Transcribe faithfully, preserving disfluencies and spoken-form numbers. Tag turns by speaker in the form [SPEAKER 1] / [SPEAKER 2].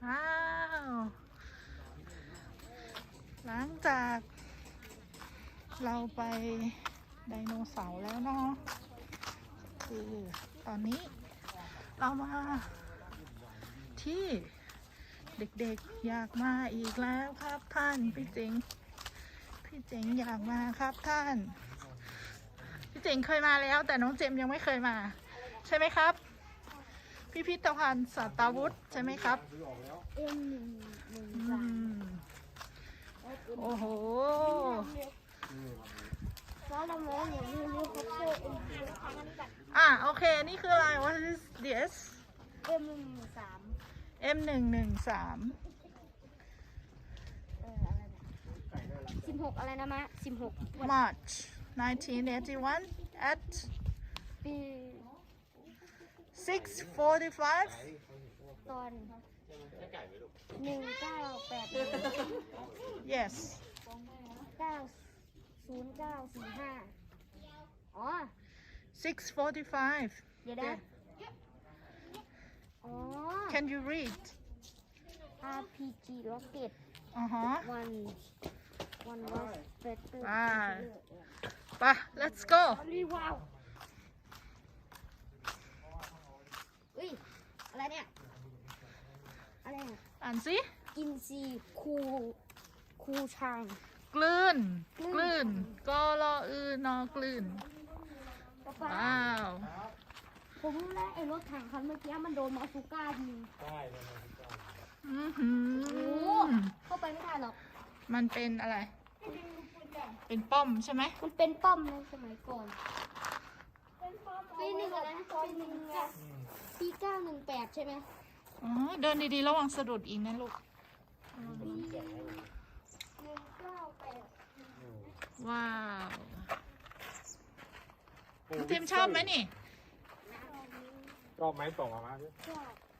[SPEAKER 1] ว้าวหลังจากเราไปไดโนเสาร์แล้วเนาะคือตอนนี้เรามาที่เด็กๆอยากมาอีกแล้วครับท่านพี่เจ๋งพี่เจ๋งอยากมาครับท่านพี่เจ๋งเคยมาแล้วแต่น้องเจมยังไม่เคยมาใช่ไหมครับพิพิธภัณฑ์สัตวุฒิใช่ไหมครับ
[SPEAKER 2] เอ็มหนึ่งหนึ่ง
[SPEAKER 1] อื
[SPEAKER 2] สาม
[SPEAKER 1] มโอ้โห
[SPEAKER 2] แล้วเราไม่ได้มีรูปคัพเตอร์เอ็มหนึ่ง
[SPEAKER 1] อ่ะโอเคนี่คืออะไร what is this
[SPEAKER 2] เอ็มหนึ่งหนึ่งสาม
[SPEAKER 1] เอ็ม หนึ่ง หนึ่ง สาม
[SPEAKER 2] เอออะไรเนี่ยสิบหกอะไรนะมะสิบหก
[SPEAKER 1] March nineteen eighty-one at
[SPEAKER 2] ปี
[SPEAKER 1] six forty-five
[SPEAKER 2] ตอนหนึ่งเก้าแปด
[SPEAKER 1] yes
[SPEAKER 2] เก้าศูนย์เก้าสี่ห้าอ๋อ
[SPEAKER 1] six forty-five
[SPEAKER 2] เดี๋ยวนะอ๋อ
[SPEAKER 1] can you read
[SPEAKER 2] อาร์ พี จี Rocket
[SPEAKER 1] อ่าฮะ
[SPEAKER 2] one one was better
[SPEAKER 1] อ่า ไป let's go
[SPEAKER 2] รีว้าวอุ้ยอะไรเนี่ยอะไรเนี่ย
[SPEAKER 1] อ่านสิ
[SPEAKER 2] กินซีคูคูช่าง
[SPEAKER 1] กลืน
[SPEAKER 2] กลืน
[SPEAKER 1] กลืนกอรออือนอกลืน
[SPEAKER 2] ป๊าป๊า
[SPEAKER 1] ว้าว
[SPEAKER 2] ผมรู้แล้วไอ้รถถังคันเมื่อกี้มันโดนมาซูก้ายิง
[SPEAKER 1] อื้อหื
[SPEAKER 2] โอ้
[SPEAKER 1] อ
[SPEAKER 2] เข้าไปไม่ทันหรอก
[SPEAKER 1] มันเป็นอะไร เป็นป้อมใช่ไหม
[SPEAKER 2] มันเป็นป้อมในสมัยก่อนปีหนึ่งอะไรนะปีหนึ่งปีเก้าหนึ่งแปดใช่ไหม
[SPEAKER 1] อ๋อ เดินดีๆ ระวังสะดุดอีกนะลูก
[SPEAKER 2] ปีหนึ่งเก้าแปด
[SPEAKER 1] ว้าวเทมชอบไหมนี่
[SPEAKER 3] ชอบไหมส่งมามาดิ
[SPEAKER 2] ชอบ